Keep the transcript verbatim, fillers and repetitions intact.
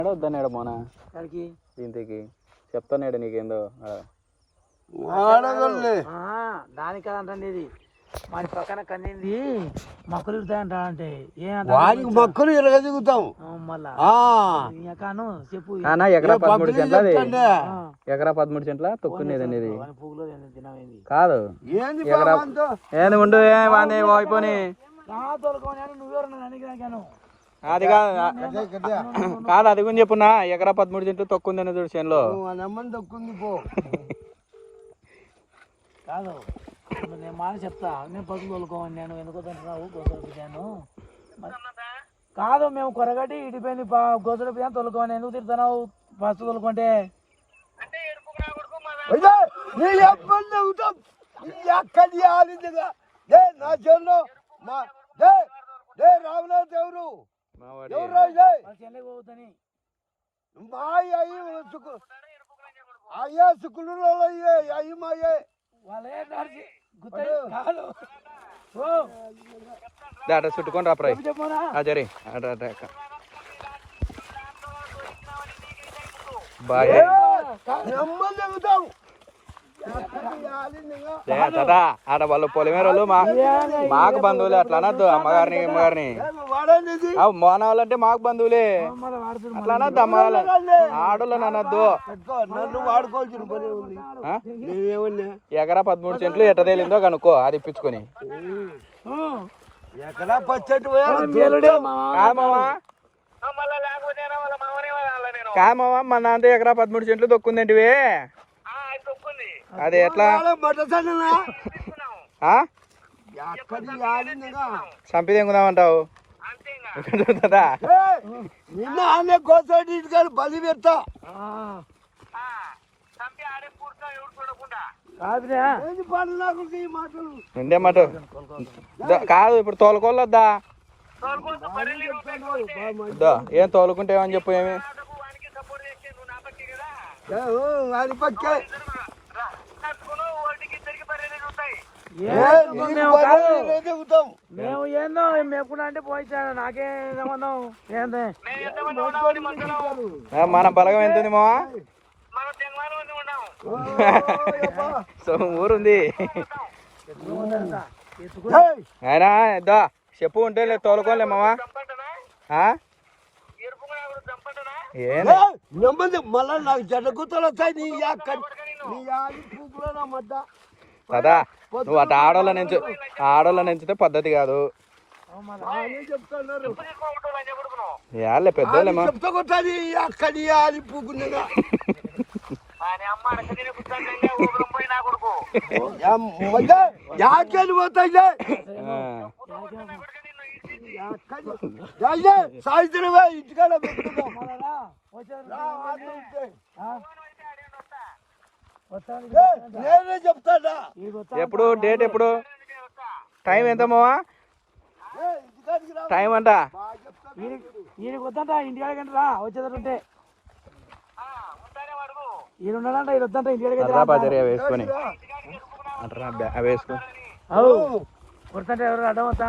వద్దన్నాడు మోనా దీనికి చెప్తాన్నాడు నీకేందో దానికి కదంటే ఇది మన పక్కన కన్నింది మొక్కలు ఇరుతాయంట అంటే వానికి మొక్కలు ఇరగ దిగుతాం మళ్ళా చెప్పు ఎకరా పదమూడు సెంట్ల ఎకరా పదమూడు సెంట్ల తొక్కునేదండి ఇది కాదు ఎకరా ఏంది ఉండు ఏమంది అయిపోయి అది కాదు కాదు అది కూడా చెప్పున్నా ఎకరా పదమూడు సెంట్లు తొక్కుందని చూడు చేనులో తొక్కుంది పో కాదు నేను మాట చెప్తా నేను పసుపు తోలుకోమని నేను ఎందుకో తింటున్నావు గోసలు పిచ్చాను కాదు మేము కొరగట్టి ఇడిపోయింది గోసలు పిచ్చాను తోలుకోమని ఎందుకు తిడుతున్నావు పసుపు తోలుకుంటే నా చెల్లు రామనాథ్ ఎవరు పోతుంది అయ్యా సుకులు అయ్యి మాయే అట చుట్టుకొని రా ప్రాయ్ జరి అట అట బాయ్ ఆడ వాళ్ళు పొలిమేర వాళ్ళు మా మాకు బంధువులే అట్లా అనద్దు అమ్మగారిని అమ్మగారిని మోన వాళ్ళంటే మాకు బంధువులే అట్లా అనద్దు అమ్మ వాళ్ళ ఆడోళ్ళని అనద్దు ఎకరా పదమూడు సెంట్లు ఎట్ట తేలిందో కనుక్కో అది ఇప్పించుకొని కామా మన అంతే ఎకరా పదమూడు సెంట్లు తొక్కుందేంటివి అది ఎట్లా చంపి తెంగుదామంటావు బలి పెడతా ఉండే మాట కాదు ఇప్పుడు తోలుకోవద్దా ఏం తోలుకుంటే ఏమని చెప్పు ఏమి మేము ఏందో మేపుకుంటా అంటే పోయించాడు నాకే సంబంధం ఏంది మన బలగం ఎంత ఉంది మా సో ఊరుంది ఆయన దా చెప్పు ఉంటే లేదు తోలుకోలే మావా మళ్ళా నాకు జడ్డ గుర్తులు వస్తాయి నీ మధ్య కదా నువ్వు అటు ఆడోళ్ళ నుంచి ఆడోళ్ళ నుంచితే పద్ధతి కాదు యాళ్ళే పెద్దోళ్ళేమో సాయంత్రం ఇంటికాడ నేనే చెప్తాడా ఎప్పుడు డేట్ ఎప్పుడు టైం ఎంత మావా టైం అంట ఈయనకి వద్దంట ఇంటికాడికంటే రా వచ్చేదంటే ఈయన ఉన్నాడంట ఈయన వద్దంట ఇంటికాడికి వేసుకొని వేసుకొని కొడుతుంటే ఎవరు అడ్డం వస్తా